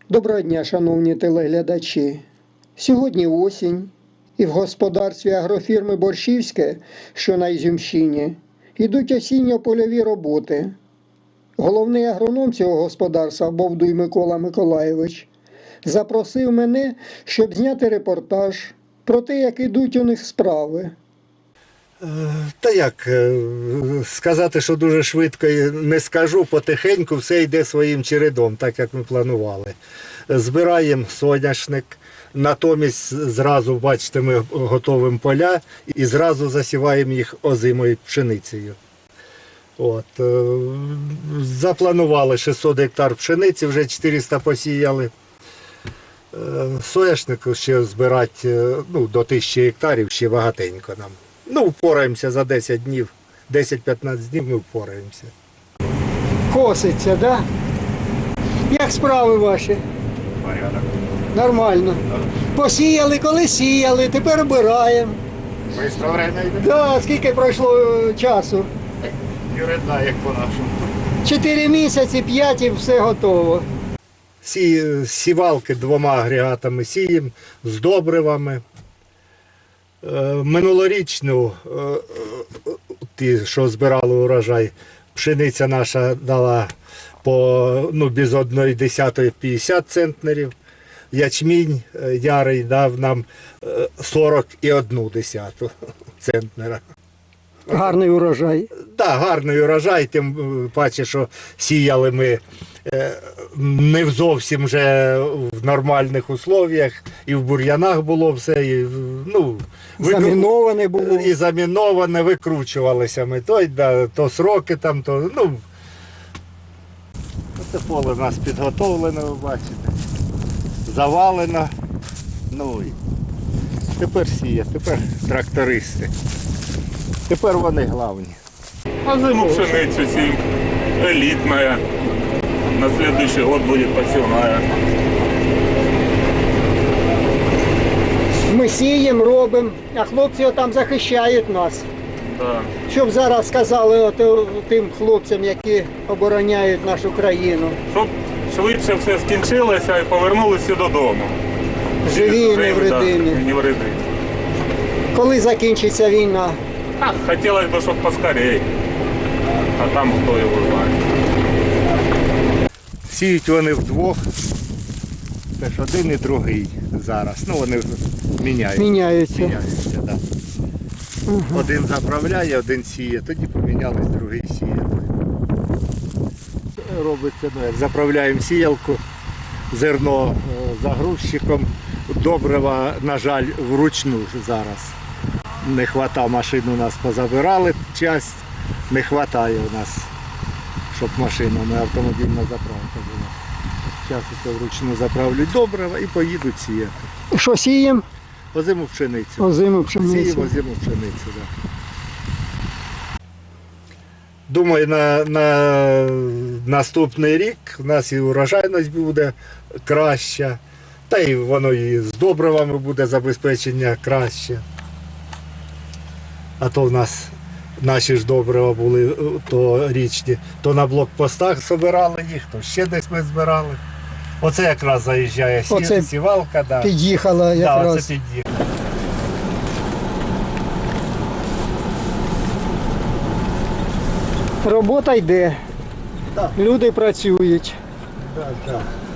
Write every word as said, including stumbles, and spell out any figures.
Доброго дня, шановні телеглядачі. Сьогодні осінь, і в господарстві агрофірми «Борщівське», що на Ізюмщині, йдуть осінньо-польові роботи. Головний агроном цього господарства, Бовдуй Микола Миколайович, запросив мене, щоб зняти репортаж про те, як ідуть у них справи. Та як, сказати, що дуже швидко не скажу, потихеньку все йде своїм чередом, так як ми планували. Збираємо соняшник, натомість зразу, бачите, ми готуємо поля і зразу засіваємо їх озимою пшеницею. От. Запланували шістсот гектар пшениці, вже чотириста посіяли. Соняшник ще збирати ну, до тисячі гектарів, ще багатенько нам. Ну, впораємося за десять днів, десять-п'ятнадцять днів ми впораємося. Коситься, так? Да? Як справи ваші? Порядок. Нормально. Посіяли, коли сіяли, тепер обираємо. Быстро время йде. Да, скільки пройшло е, часу? Юридна, як по-нашому. Чотири місяці, п'ять і все готово. Сі, сівалки двома агрегатами сіємо, з добривами. Е, Минулорічну, е, е, ті, що збирали урожай, пшениця наша дала по ну, без одної десятої п'ятдесят центнерів. Ячмінь е, ярий дав нам е, сорок і одну десяту центнера. Гарний урожай. Так, гарний урожай, тим паче, що сіяли ми е, не зовсім вже в нормальних условіях, і в бур'янах було все, і, ну, Заміноване було. і заміноване, викручувалися ми. То, да, то сроки там, то, ну, це поле у нас підготовлене, ви бачите, завалено. Ну, і тепер сіє, тепер трактористи. Тепер вони головні. А зиму пшеницу сеем. Элитная. На следующий год будет посевная. Ми сіємо, робимо, а хлопці там захищають нас. Да. Щоб зараз сказали от, е, тим хлопцям, які обороняють нашу країну. Щоб швидше все скінчилося і повернулися додому. Живі і Живі, да, невредимі. невредимі. Коли закінчиться війна? А, хотілося б, щоб поскорее. А там хто його знає. Сіють вони вдвох, теж один і другий зараз. Ну вони міняють. Міняються. Міняються, да. Угу. Один заправляє, один сіє, тоді помінялись, другий сіє. Робиться, ну, як заправляємо сіялку, зерно е, загрузчиком, добрива, на жаль, вручну зараз. Не вистачає машин, у нас позабирали часть, не вистачає у нас, щоб машинами автомобільна заправка була. Зараз це вручну заправлять добрива і поїдуть сіяти. Що сіємо? Озиму пшеницю. Озиму пшеницю. Сіємо озиму пшеницю, так. Думаю, на, на наступний рік у нас і урожайність буде краща, та й воно і з добривами буде забезпечення краще. А то в нас наші ж добрива були то річні, то на блокпостах збирали їх, то ще десь ми збирали. Оце якраз заїжджає сі... Оце сівалка. Да. Під'їхала Да, якраз. оце під'їхала. Робота йде. Так. Люди працюють. Да, да.